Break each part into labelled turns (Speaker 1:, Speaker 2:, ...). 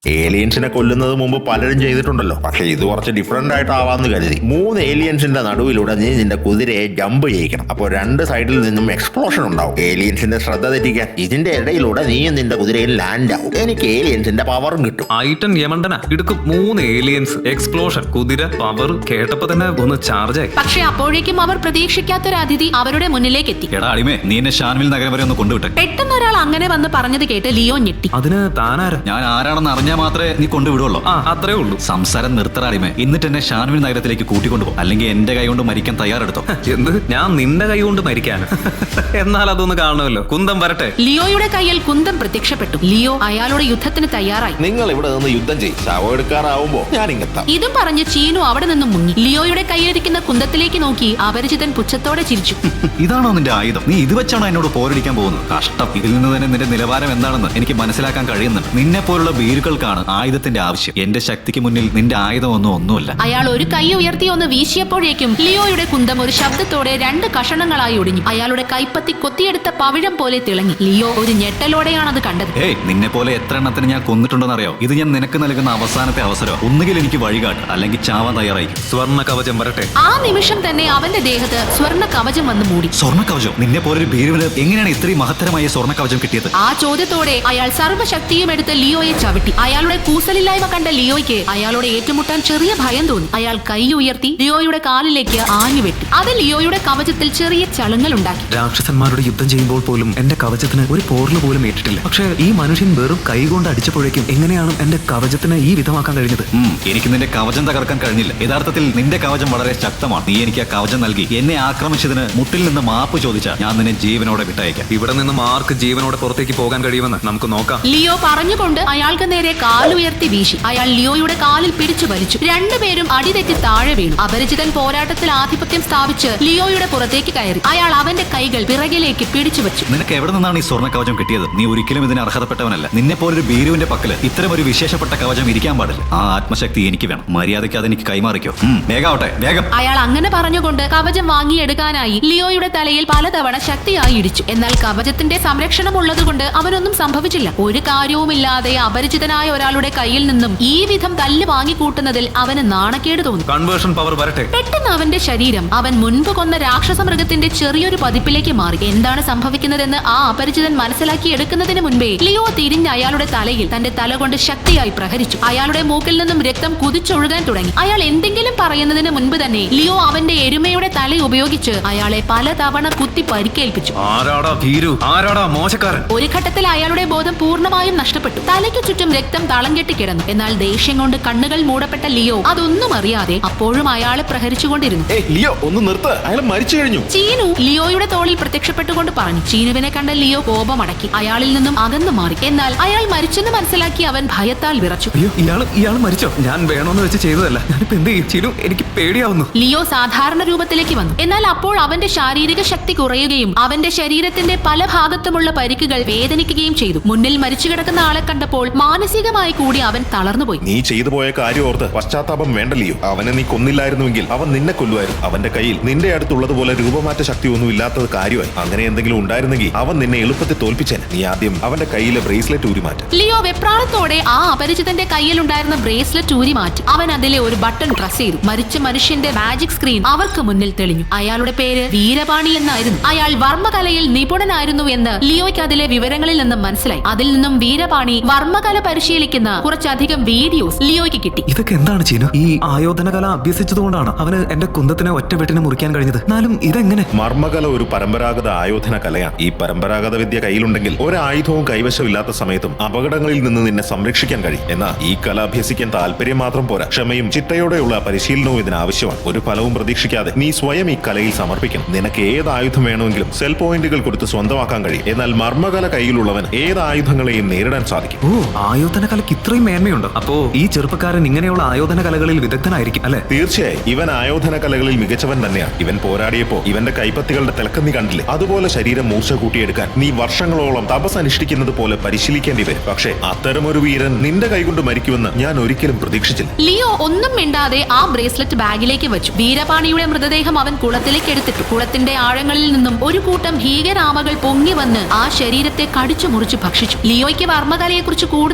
Speaker 1: ഏലിയൻസിനെ കൊല്ലുന്നത് മുമ്പ് പലരും ചെയ്തിട്ടുണ്ടല്ലോ, പക്ഷെ ഇത് കുറച്ച് ഡിഫറെന്റ് ആയിട്ടാവാന്ന് കരുതി 3 ഏലിയൻസിന്റെ നടുവിലൂടെ നീ നിന്റെ കുതിരയെ ജമ്പ് ചെയ്യിക്കണം. അപ്പോൾ 2 സൈഡിൽ നിന്നും എക്സ്പ്ലോഷൻ ഉണ്ടാവും. ഏലിയൻസിന്റെ ശ്രദ്ധ തെറ്റിക്കാൻ ഇതിന്റെ ഇടയിലൂടെ നീയും നിന്റെ കുതിരയിൽ ലാൻഡ് ആവും. എനിക്ക് ഏലിയൻസിന്റെ പവറും കിട്ടും.
Speaker 2: ഐറ്റൻ യമണ്ടന ഇടുക്കും 3 ഏലിയൻസ്, എക്സ്പ്ലോഷൻ, കുതിര, പവർ കേട്ടപ്പോ തന്നെ ഒന്ന് ചാർജ് ആയി.
Speaker 3: പക്ഷെ അപ്പോഴേക്കും അവർ പ്രതീക്ഷിക്കാത്തൊരു അതിഥി അവരുടെ മുന്നിലേക്ക് എത്തി.
Speaker 4: എടാ അടിമേ, നീ എന്നെ ഷാൻവിൽ നഗരം വരെ ഒന്ന് കൊണ്ടുവിട്ടെ.
Speaker 3: പെട്ടെന്ന് ഒരാൾ അങ്ങനെ വന്ന് പറഞ്ഞത് കേട്ട് ലിയോ ഞെട്ടി.
Speaker 2: അതിന് താനാരാ?
Speaker 4: ഞാൻ ആരാണെന്ന് അറിഞ്ഞാൽ മാത്രമേ നീ കൊണ്ടുവിടുള്ളൂ.
Speaker 2: അത്രേ ഉള്ളൂ.
Speaker 4: സംസാരം നിർത്തറാടിമേ. എന്നിട്ട് എന്നെ ഷാൻവിൽ നഗരത്തിലേക്ക് കൂട്ടിക്കൊണ്ടുപോകും, അല്ലെങ്കിൽ എന്റെ കൈ കൊണ്ട് മരിക്കാൻ തയ്യാറെടുത്തോ.
Speaker 2: എന്ത്? ഞാൻ നിന്റെ കൈ കൊണ്ട് മരിക്കാൻ? എന്നാൽ അതൊന്ന് കാണണമല്ലോ. കുന്തം വരട്ടെ.
Speaker 3: ലിയോയുടെ കയ്യിൽ കുന്തം പ്രത്യക്ഷപ്പെട്ടു. ലിയോ അയാളുടെ യുദ്ധത്തിന് തയ്യാറായി.
Speaker 1: നിങ്ങൾ ഇവിടെ നിന്ന് യുദ്ധം ചെയ്യും, ശവം എടുക്കാറാവുമ്പോ ഞാൻ ഇങ്ങെത്താം.
Speaker 3: ഇതും പറഞ്ഞ് ചീനു അവിടെ നിന്നും മുങ്ങി. ലിയോയുടെ കയ്യിലിരിക്കുന്ന കുന്തത്തിലേക്ക് നോക്കി അപരിചിതൻ പുച്ഛത്തോടെ ചിരിച്ചു.
Speaker 4: ഇതാണോ നിന്റെ ആയുധം? നീ ഇത് വെച്ചാണോ എന്നോട് പോരടിക്കാൻ പോകുന്നത്? കഷ്ടം. ഇതിൽ നിന്ന് തന്നെ നിന്റെ നിലവാരം എന്താണെന്ന് എനിക്ക് മനസ്സിലാക്കാൻ കഴിയുന്നുണ്ട്. നിന്നെ പോലുള്ള ഭീരുക്കൾക്കാണ് ആയുധത്തിന്റെ ആവശ്യം. എന്റെ ശക്തിക്ക് മുന്നിൽ നിന്റെ ആയുധം ഒന്നുമല്ല.
Speaker 3: അയാൾ ഒരു കൈ ഉയർത്തി ഒന്ന് വീശിയപ്പോഴേക്കും ലിയോയുടെ കുന്തം ഒരു ശബ്ദത്തോടെ 2 കഷണങ്ങളായി ഒടിഞ്ഞു. അയാളുടെ കൈപ്പത്തി കൊത്തിയെടുത്ത പവിഴം പോലെ തിളങ്ങി. ലിയോ ഒരു ഞെട്ടലോടെയാണ് അത് കണ്ടത്.
Speaker 4: നിന്നെ പോലെ എത്ര എണ്ണത്തിന് ഞാൻ കൊന്നിട്ടുണ്ടെന്ന് അറിയോ? ഇത് ഞാൻ നിനക്ക് നൽകുന്ന അവസാനത്തെ അവസരം. ഒന്നുകിൽ എനിക്ക് വഴികാട്ട്, അല്ലെങ്കിൽ ചാവാൻ തയ്യാറായിരിക്കും.
Speaker 2: സ്വർണ്ണ കവചം വരട്ടെ.
Speaker 3: ആ നിമിഷം തന്നെ അവന്റെ ദേഹത്ത് സ്വർണ്ണ കവചം വന്ന് മൂടി.
Speaker 4: സ്വർണ്ണ കവചം? നിന്നെ പോലൊരു ഭീരുവിന് എങ്ങനെയാണ് ഇത്രയും മഹത്തരമായ സ്വർണ്ണ കവചം കിട്ടിയത്?
Speaker 3: ആ ചോദ്യത്തോടെ അയാൾ സർവ്വശക്തിയും എടുത്ത് ലിയോയെ ചവിട്ടി. അയാളുടെ കൂസലില്ലായ്മ കണ്ട ലിയോയ്ക്ക് അയാളോട് ഏറ്റുമുട്ടാൻ ചെറിയ ഭയം തോന്നി. അയാൾ കൈ ഉയർത്തി ലിയോയുടെ കാലിലേക്ക് ആഞ്ഞുവെട്ടി. അത് ലിയോയുടെ കവചത്തിൽ ചെറിയ ചളുങ്ങൽ ഉണ്ടാക്കി.
Speaker 2: രാക്ഷസന്മാരോട് യുദ്ധം ചെയ്യുമ്പോൾ പോലും എന്റെ കവചത്തിന് ഒരു പോർല് പോലും ഏറ്റിട്ടില്ല. പക്ഷേ ഈ മനുഷ്യൻ വെറും കൈ കൊണ്ട് അടിച്ചപ്പോഴേക്കും എങ്ങനെയാണ് എന്റെ കവചത്തിന് ഈ വിധമാക്കാൻ കഴിഞ്ഞത്?
Speaker 4: എനിക്ക് നിന്റെ കവചം തകർക്കാൻ കഴിഞ്ഞില്ല. യഥാർത്ഥത്തിൽ നിന്റെ കവചം വളരെ ശക്തമാണ്. നീ എനിക്ക് ആ കവചം നൽകി എന്നെ ആക്രമിച്ചതിന് മുട്ടിൽ നിന്ന് മാപ്പ് ചോദിച്ചാൽ ഞാൻ നിന്നെ ജീവനോടെ വിട്ടയക്കാം.
Speaker 2: ഇവിടെ നിന്ന് ആർക്ക് ജീവനോടെ പുറത്തേക്ക് പോകാൻ കഴിയുമെന്ന് നമുക്ക് നോക്കാം.
Speaker 3: ലിയോ പറഞ്ഞുകൊണ്ട് അയാൾക്ക് നേരെ കാലുയർത്തി വീശി. അയാൾ ലിയോയുടെ കാലിൽ പിടിച്ചു വലിച്ചു. 2 പേരും അടിതെറ്റി താഴെ വീണു. അപരിചിതൻ പോരാട്ടത്തിൽ ആധിപത്യം സ്ഥാപിച്ച് ലിയോയുടെ പുറത്തേക്ക് കയറി. അയാൾ അവന്റെ കൈകൾ പിറകിലേക്ക് പിടിച്ചു വെച്ചു.
Speaker 4: നിനക്ക് എവിടെ നിന്നാണ് ഈ സ്വർണ്ണ കവചം കിട്ടിയത്? നീ ഒരിക്കലും ഇതിന് അർഹതപ്പെട്ടവനല്ല. നിന്നെ പോലൊരു ഭീരുവിന്റെ പക്കല് ഇത്തരം ഒരു വിശേഷപ്പെട്ട കവചം ഇരിക്കാൻ പാടില്ല. ആ ആത്മശക്തി എനിക്ക് വേണം. മര്യാദയ്ക്ക് അതെനിക്ക് കൈമാറിക്കോ. വേഗാവട്ടെ, വേഗം.
Speaker 3: അയാൾ അങ്ങനെ പറഞ്ഞുകൊണ്ട് കവചം വാങ്ങിയെടുക്കാനായി ലിയോയുടെ തലയിൽ പലതവണ ശക്തിയായി ഇടിച്ചു. എന്നാൽ കവചത്തിന്റെ സംരക്ഷണം ഉള്ളതുകൊണ്ട് അവനൊന്നും സംഭവിച്ചില്ല. ഒരു കാര്യവുമില്ലാതെ അപരിചിതനായ ഒരാളുടെ കയ്യിൽ നിന്നും ഈ വിധം തല്ല് വാങ്ങിക്കൂട്ടുന്നതിൽ അവന് നാണക്കേട് തോന്നി.
Speaker 2: കൺവേർഷൻ പവർ വരട്ടെ.
Speaker 3: പെട്ടെന്ന് അവന്റെ ശരീരം അവൻ മുൻപ് കൊന്ന രാക്ഷസ മൃഗത്തിന്റെ ചെറിയൊരു പതിപ്പിലേക്ക് മാറി. എന്താണ് സംഭവിക്കുന്നതെന്ന് ആ അപരിചിതൻ മനസ്സിലാക്കി എടുക്കുന്നതിന് മുൻപേ ലിയോ തിരിഞ്ഞ് അയാളുടെ തലയിൽ തന്റെ തല കൊണ്ട് ശക്തിയായി പ്രഹരിച്ചു. അയാളുടെ മൂക്കിൽ നിന്നും രക്തം കുതിച്ചൊഴുകാൻ തുടങ്ങി. അയാൾ എന്തെങ്കിലും പറയുന്നതിന് മുൻപ് തന്നെ ലിയോ അവന്റെ എരുമയുടെ തല ഉപയോഗിച്ച് അയാളെ പലതവണ കുത്തി പരിക്കേൽപ്പിച്ചു.
Speaker 2: ആരാടാ ഭീരു? ആരാടാ മോശക്കാരൻ?
Speaker 3: ഒരു ഘട്ടത്തിൽ അയാളുടെ ബോധം പൂർണ്ണമായും നഷ്ടപ്പെട്ടു. തലയ്ക്ക് ചുറ്റും രക്തം തളം കെട്ടി കിടന്നു. എന്നാൽ ദേഷ്യം കൊണ്ട് കണ്ണുകൾ മൂടപ്പെട്ട ലിയോ അതൊന്നും അറിയാതെ അപ്പോഴും അയാളെ പ്രഹരിച്ചുകൊണ്ടിരുന്നു.
Speaker 1: ലിയോ ഒന്ന് നിർത്ത്, അയാൾ മരിച്ചു കഴിഞ്ഞു.
Speaker 3: ചീനു ലിയോയുടെ തോളിൽ പ്രത്യക്ഷപ്പെട്ടുകൊണ്ട് പറഞ്ഞു. ചീനുവിനെ കണ്ട ലിയോ കോപമടക്കി അയാളിൽ നിന്നും അകന്നു മാറി. എന്നാൽ അയാൾ മരിച്ചെന്ന് മനസ്സിലാക്കി അവൻ ഭയത്താൽ വിറച്ചു.
Speaker 2: അയ്യോ, ഇയാൾ മരിച്ചോ? ഞാൻ വേണമെന്ന് വെച്ച് ചെയ്തതല്ല. ഞാനിപ്പോ എന്ത് ചെയ്യും? ചീനു, എനിക്ക് പേടിയാവുന്നു.
Speaker 3: ലിയോ സാധാരണ രൂപത്തിലേക്ക് വന്നു. എന്നാൽ അപ്പോൾ അവന്റെ ശാരീരിക ശക്തി കുറയുകയും അവന്റെ ശരീരത്തിന്റെ പല ഭാഗത്തുമുള്ള പരിക്കുകൾ വേദനിക്കുകയും ചെയ്തു. മുന്നിൽ മരിച്ചു കിടക്കുന്ന ആളെ കണ്ടപ്പോൾ മാനസികമായി കൂടി അവൻ തളർന്നുപോയി.
Speaker 1: നീ ചെയ്തു പോയ കാര്യം ഓർത്ത് പശ്ചാത്താപം വേണ്ടല്ലോ. അവനെ നീ കൊന്നില്ലായിരുന്നുവെങ്കിൽ അവൻ നിന്നെ കൊല്ലുമായിരുന്നു. അവന്റെ കയ്യിൽ നിന്റെ അടുത്തുള്ളതുപോലെ രൂപമാറ്റ ശക്തി ഒന്നും ഇല്ലാത്തത് കാര്യമായി. അങ്ങനെ എന്തെങ്കിലും ഉണ്ടായിരുന്നെങ്കിൽ അവൻ നിന്നെ എളുപ്പത്തിൽ തോൽപ്പിച്ചേനെ. നീ ആദ്യം അവന്റെ കയ്യിലെ ബ്രേസ്ലെറ്റ് ഊരി മാറ്റി.
Speaker 3: ലിയോ വെപ്രാളത്തോടെ ആ അപരിചിതന്റെ കയ്യിലുണ്ടായിരുന്ന ബ്രേസ്ലെറ്റ് ഊരി മാറ്റി. അവൻ അതിലെ ഒരു ബട്ടൺ പ്രസ് ചെയ്തു. മരിച്ച മനുഷ്യന്റെ മാജിക് സ്ക്രീൻ അവർക്ക് മുന്നിൽ തെളിഞ്ഞു. അയാളുടെ പേര് വീരപാണി എന്നായിരുന്നു. അയാൾ വർമ്മകലയിൽ നിപുണനായിരുന്നു എന്ന് ലിയോയ്ക്ക് അതിലെ വിവരങ്ങളിൽ നിന്നും മനസ്സിലായി. അതിൽ നിന്നും വീരപാണി വർമ്മകല പരിശീലിക്കുന്ന കുറച്ചധികം വീഡിയോസ് ലിയോയ്ക്ക് കിട്ടി.
Speaker 2: ഇതൊക്കെ എന്താണ് ചീനു? ഈ ആയോധന കല അഭ്യസിച്ചതുകൊണ്ടാണ് അവന് എന്റെ കുന്തത്തിനെ ഒറ്റ വെട്ടിനെ മുറിക്കാൻ കഴിഞ്ഞത്. എന്നാലും ഇതെങ്ങനെ?
Speaker 1: മർമ്മകല ഒരു പരമ്പരാഗത ആയോധന കലയാണ്. ഈ പരമ്പരാഗത വിദ്യ കയ്യിലുണ്ടെങ്കിൽ ഒരായുധവും കൈവശമില്ലാത്ത സമയത്തും അപകടങ്ങളിൽ നിന്ന് നിന്നെ സംരക്ഷിക്കാൻ കഴിയും. എന്നാൽ ഈ കല അഭ്യസിക്കാൻ താല്പര്യം മാത്രം പോരാ, ക്ഷമയും ചിട്ടയോടെയുള്ള പരിശീലനവും ഇതിന് ആവശ്യമാണ്. ഒരു ഫലവും പ്രതീക്ഷിക്കാതെ നീ സ്വയം ഈ കലയിൽ സമർപ്പിക്കണം. നിനക്ക് ഏത് ആയുധം വേണമെങ്കിലും സെൽ പോയിന്റുകൾ കൊടുത്ത് സ്വന്തമാക്കാൻ കഴിയും. എന്നാൽ മർമ്മകല കയ്യിലുള്ളവൻ ഏത് ആയുധങ്ങളെയും നേരിടാൻ സാധിക്കും.
Speaker 2: ഓ, ആയോധന കലയ്ക്ക് ഇത്രയും മേന്മയുണ്ട്. അപ്പോ ഈ ചെറുപ്പക്കാരൻ ഇങ്ങനെയുള്ള ആയോധന കലകളിൽ വിദഗ്ധനായിരിക്കും അല്ലെ?
Speaker 1: തീർച്ചയായും ഇവൻ ആയോധന കലകളിൽ മികച്ചവൻ തന്നെയാണ്. ഇവൻ പോരാടിയപ്പോ ഇവന്റെ കൈപ്പത്തികളുടെ തിളക്കം നീ കണ്ടില്ലേ? അതുപോലെ ശരീരം മൂർച്ച കൂട്ടിയെടുക്കാൻ നീ വർഷങ്ങളോളം തപസ് അനുഷ്ഠിക്കുന്നത് പോലെ പരിശീലിക്കേണ്ടി വരും. പക്ഷേ അത്തരമൊരു വീരൻ നിന്റെ കൈകൊണ്ട് മരിക്കുമെന്ന് ഞാൻ ഒരിക്കലും പ്രതീക്ഷിച്ചില്ല.
Speaker 3: ലിയോ ഒന്നും മിണ്ടാതെ ആ ബ്രേസ്ലെറ്റ് ബാഗിലേക്ക് വെച്ചു. വീരപാണിയുടെ മൃതദേഹം അവൻ കുളത്തിലേക്ക് എടുത്തിട്ടു. കുളത്തിന്റെ ആഴങ്ങളിൽ നിന്നും ഒരു കൂട്ടം ഭീകരാമകൾ പൊങ്ങി വന്ന് ആ ശരീരത്തെ കടിച്ചു മുറിച്ചു ഭക്ഷിച്ചു. ലിയോയ്ക്ക് വർമ്മകലയെക്കുറിച്ച് കൂടുതൽ അറിയണം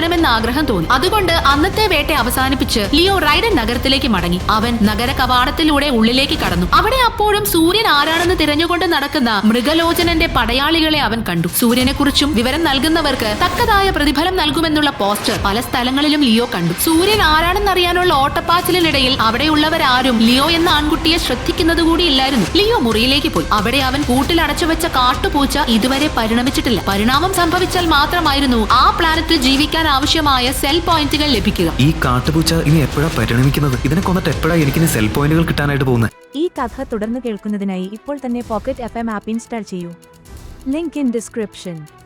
Speaker 3: വേണമെന്ന ആഗ്രഹം തോന്നി. അതുകൊണ്ട് അന്നത്തെ വേട്ട അവസാനിപ്പിച്ച് ലിയോ റൈഡൻ നഗരത്തിലേക്ക് മടങ്ങി. അവൻ നഗര കവാടത്തിലൂടെ ഉള്ളിലേക്ക് കടന്നു. അവിടെ അപ്പോഴും സൂര്യൻ ആരാണെന്ന് തിരഞ്ഞുകൊണ്ട് നടക്കുന്ന മൃഗലോചനന്റെ പടയാളികളെ അവൻ കണ്ടു. സൂര്യനെ കുറിച്ചും വിവരം നൽകുന്നവർക്ക് തക്കതായ പ്രതിഫലം നൽകുമെന്നുള്ള പോസ്റ്റർ പല സ്ഥലങ്ങളിലും ലിയോ കണ്ടു. സൂര്യൻ ആരാണെന്നറിയാനുള്ള ഓട്ടപ്പാച്ചിലിനിടയിൽ അവിടെയുള്ളവരാരും ലിയോ എന്ന ആൺകുട്ടിയെ ശ്രദ്ധിക്കുന്നത് കൂടിയില്ലായിരുന്നു. ലിയോ മുറിയിലേക്ക് പോയി. അവിടെ അവൻ കൂട്ടിൽ അടച്ചുവെച്ച കാട്ടുപൂച്ച ഇതുവരെ പരിണമിച്ചിട്ടില്ല. പരിണാമം സംഭവിച്ചാൽ മാത്രമായിരുന്നു ആ പ്ലാനറ്റിൽ ജീവിക്കാൻ ആവശ്യമായ സെൽ പോയിന്റുകൾ ലഭിക്കുക.
Speaker 2: ഈ കാട്ടുപൂച്ച ഇനി എപ്പോഴാ പരിണമിക്കുന്നത്? ഇതിനെ കൊന്നിട്ട് എപ്പോഴാ എനിക്കിനി സെൽ പോയിന്റുകൾ കിട്ടാനായിട്ട് പോകുന്നത്?
Speaker 5: ഈ കഥ തുടർന്ന് കേൾക്കുന്നതിനായി ഇപ്പോൾ തന്നെ പോക്കറ്റ് FM ആപ്പ് ഇൻസ്റ്റാൾ ചെയ്യൂ. Link in description.